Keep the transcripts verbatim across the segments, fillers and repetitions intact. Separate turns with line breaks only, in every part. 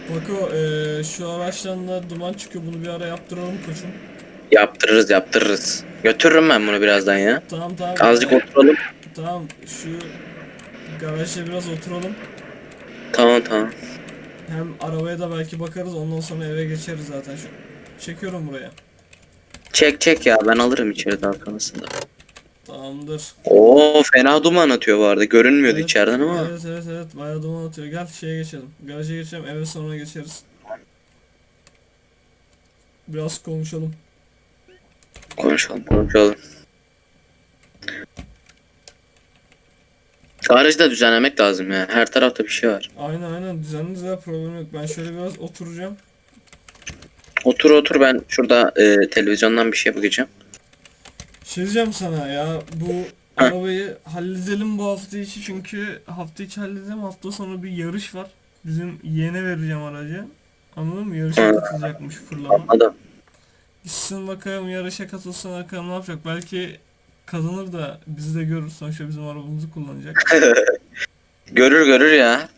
Bako eee, şu araçtan da duman çıkıyor, bunu bir ara yaptıralım koçum.
Yaptırırız yaptırırız. Götürürüm ben bunu birazdan ya.
Tamam tamam
Azıcık
eee,
oturalım.
tamam şu garajda biraz oturalım.
Tamam tamam.
Hem arabaya da belki bakarız, ondan sonra eve geçeriz zaten. Şu çekiyorum buraya.
Çek çek ya, ben alırım içeri daha sonrasında.
Tamamdır.
Oo, fena duman atıyor bu arada. Görünmüyordu
Evet
içeriden ama.
evet evet evet bayağı duman atıyor. Gel şeye geçelim. Garaja geçelim, eve sonra geçeriz. Biraz konuşalım.
Konuşalım konuşalım. Garajı da düzenlemek lazım ya. Her tarafta bir şey var.
Aynen aynen, düzenli düzenli, problem yok. Ben şöyle biraz oturacağım.
Otur otur, ben şurada e, televizyondan bir şey bakacağım.
Şey diyeceğim sana ya, bu
Heh.
arabayı halledelim bu hafta içi, çünkü hafta içi halledelim, hafta sonu bir yarış var. Bizim yeğene vereceğim aracı. Anladın mı? Yarışa
Hı,
katılacakmış, fırlama.
anladım.
Gitsin bakalım, yarışa katılsın bakalım ne yapacak. Belki kazanır da bizi de görür. Sonuçta bizim arabamızı kullanacak.
Görür görür ya.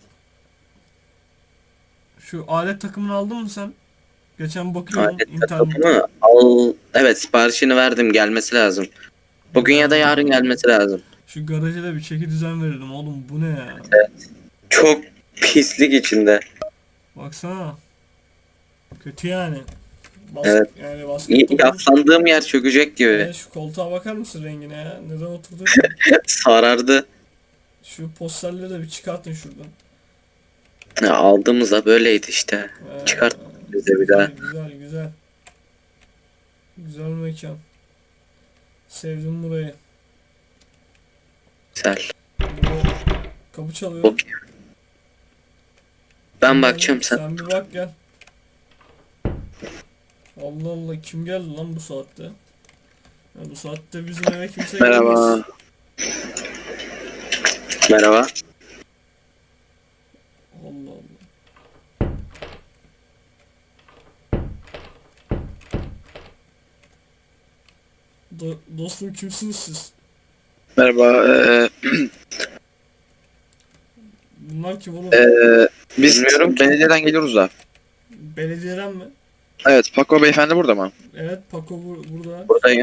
Şu alet takımını aldın mı sen? Geçen bakıyordum
Alet
internette.
takımı al. Evet, siparişini verdim, gelmesi lazım. Bugün ya da
Ya,
yarın gelmesi lazım.
şu garaja da bir çeki düzen verelim oğlum, bu ne ya?
Çok pislik içinde.
Baksana. Kötü yani. Bas,
Evet.
yani
Y-
basket topu.
Yaslandığım yer çökecek gibi.
E, şu koltuğa bakar mısın rengine ya? Neden oturduysa.
Sarardı.
Şu posterleri de bir çıkartın şuradan.
Ya, aldığımızda böyleydi işte.
Ee,
Çıkart bize bir
güzel
daha.
güzel güzel. Güzel mekan. Sevdim burayı.
Güzel.
Burada kapı çalıyor.
Okey. Ben
Kim
bakacağım,
geldi?
sen.
Sen bir bak gel. Allah Allah, kim geldi lan bu saatte? Ya bu saatte bizim eve kimse gelmez.
Merhaba. Merhaba.
Allah Allah. Do- dostum, kimsiniz siz?
Merhaba. eee,
Bunlar kim oğlum?
eee, biz
Bilmiyorum ki.
belediyeden geliyoruz da.
Belediyeden mi?
Evet, Paco beyefendi burada mı?
Evet, Paco bur- burada.
Buradayım.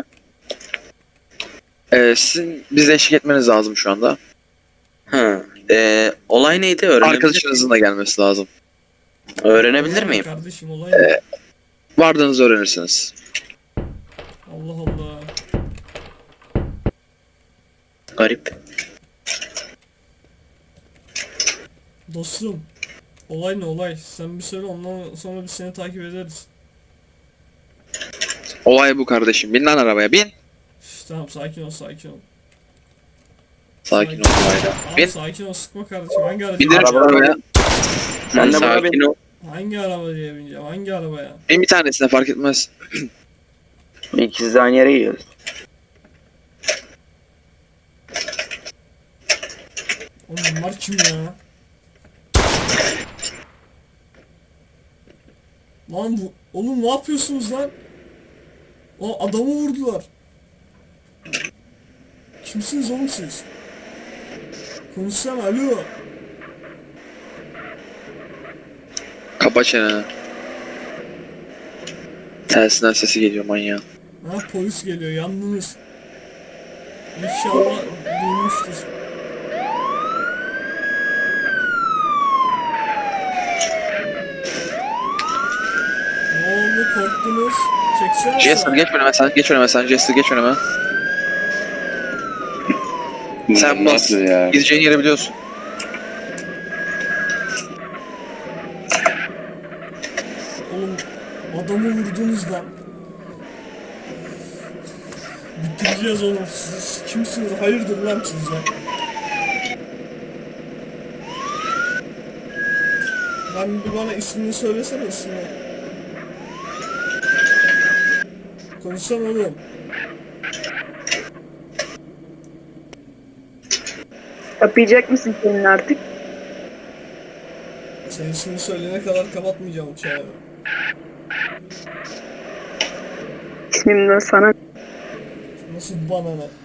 Eee sizin bize eşlik etmeniz lazım şu anda.
Ha. Ee, olay neydi? Öğrenebilir,
Arkadaşınızın da gelmesi lazım.
öğrenebilir
Olay ne
miyim?
kardeşim, olay ne?
Vardığınızı öğrenirsiniz.
Allah Allah.
Garip.
Dostum. Olay ne olay? Sen bir söyle, ondan sonra biz seni takip ederiz.
Olay bu kardeşim. Bin lan arabaya, bin.
Şş, tamam, sakin ol sakin ol.
Sakin ol
Sakin.
olayla.
Tamam,
Bin.
sakin ol, sıkma kardeşim. Hangi aracı?
Bindir şu
Araba-
arabaya.
Sen
de buna
sakin ol.
Hangi arabaya bineceğim? Hangi arabaya?
Bin bir tanesine, fark etmez.
İkisi de aynı yere gidiyoruz.
Oğlum bunlar kim ya? Lan bu... Oğlum ne yapıyorsunuz lan? O adamı vurdular. Kimsiniz oğlum siz? Konuşsana, alo.
Kapa çeneni. Tersinden sesi geliyor manyağın.
Ha, polis geliyor, yandınız. İnşallah duymuştur. Ne oldu, korktunuz? Çeksene
Jester
sağa.
geç önüme sen, geç önüme sen, Jester geç önüme. Sen bas.
Nasıl ya?
Gideceğin yeri biliyorsun.
Oğlum adamı vurdunuz lan. Bitireceğiz oğlum siz. Kimsiniz? Hayırdır lan siz ya? Lan bir bana ismini söylesene, ismini. Konuşsana oğlum.
Kapayacak mısın kendini artık?
Senin ismini söyleyene kadar kapatmayacağım uçağı.
İsmimden sana
Nasıl bana ne?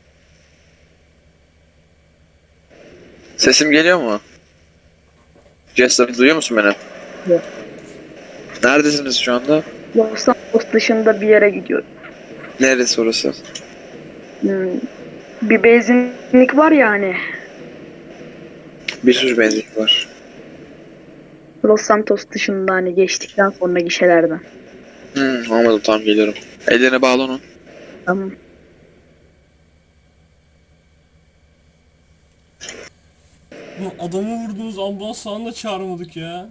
Sesim geliyor mu? Jester duyuyor musun beni?
Yok.
Neredesiniz şu anda?
Los Santos dışında bir yere gidiyor.
Neresi orası?
Hmm. Bir benzinlik var ya hani.
Bir sürü benzinlik var.
Los Santos dışında hani geçtikten sonra gişelerden.
Hmm, anladım, tamam geliyorum. Ellerine bağlı onun.
Tamam.
Bu adamı vurdunuz, ambulans falan da çağırmadık ya.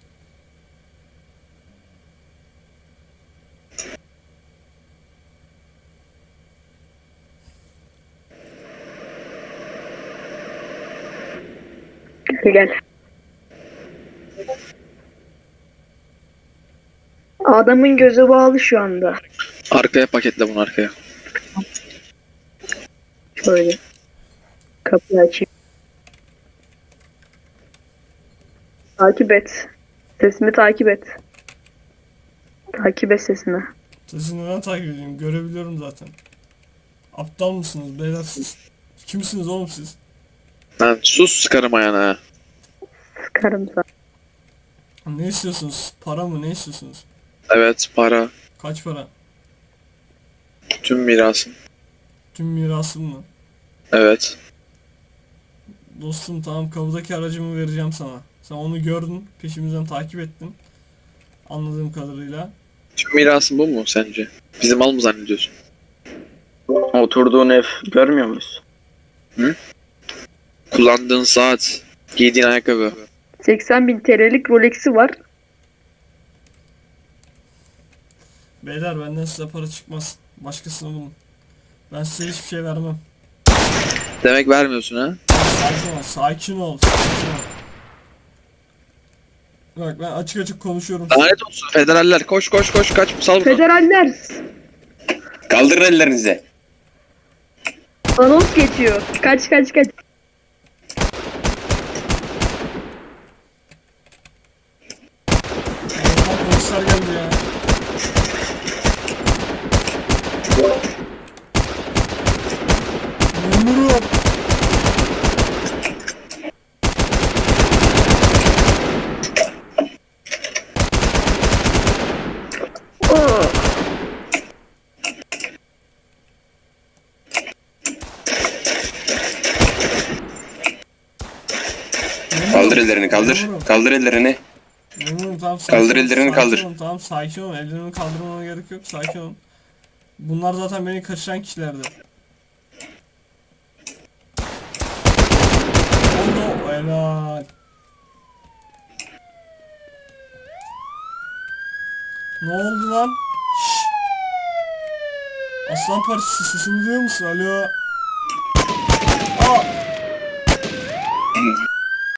Gel gel. Adamın gözü bağlı şu anda.
Arkaya paketle bunu, arkaya.
Şöyle. Kapıyı açayım. Takip et. Sesimi takip et. Takip et sesimi.
Sesini ben takip edeyim, görebiliyorum zaten. Aptal mısınız beyler siz? Kimsiniz oğlum siz?
Lan sus, sıkarım ayağına ha.
Sıkarım sana.
Ne istiyorsunuz? Para mı, ne istiyorsunuz?
Evet, para.
Kaç para?
Tüm mirasın.
Tüm mirasım mı?
Evet.
Dostum tamam, kapıdaki aracımı vereceğim sana. Sen onu gördün, peşimizden takip ettin. Anladığım kadarıyla.
Tüm mirasın bu mu sence? Bizim mal mı zannediyorsun?
Oturduğun ev görmüyor muyuz?
Kullandığın saat, giydiğin ayakkabı.
seksen bin T L'lik Rolex'i var.
Beyler benden size para çıkmaz. Başkasını bulun. Ben size hiçbir şey vermem.
Demek vermiyorsun ha?
Sakin ol, sakin ol, sakin ol. Bak ben açık açık konuşuyorum.
Lanet olsun federaller, koş koş koş, kaç, sal bunu.
Federaller.
Kaldırın ellerinizi.
Anons geçiyor. Kaç kaç kaç.
Allah'tan polisler geldi ya. Memurum.
Oo.
Kaldır ellerini kaldır.
Memurum.
Kaldır ellerini.
Memurum tamam sakin
Kaldır
ol,
ellerini,
sakin
kaldır.
ol, tamam sakin ol. Ellerimi kaldırmama gerek yok, sakin ol. Bunlar zaten beni kaçıran kişilerdi. Oldu helal. Ne oldu lan? Şşş. Aslan Partisi sesini duyuyor musun? Alo.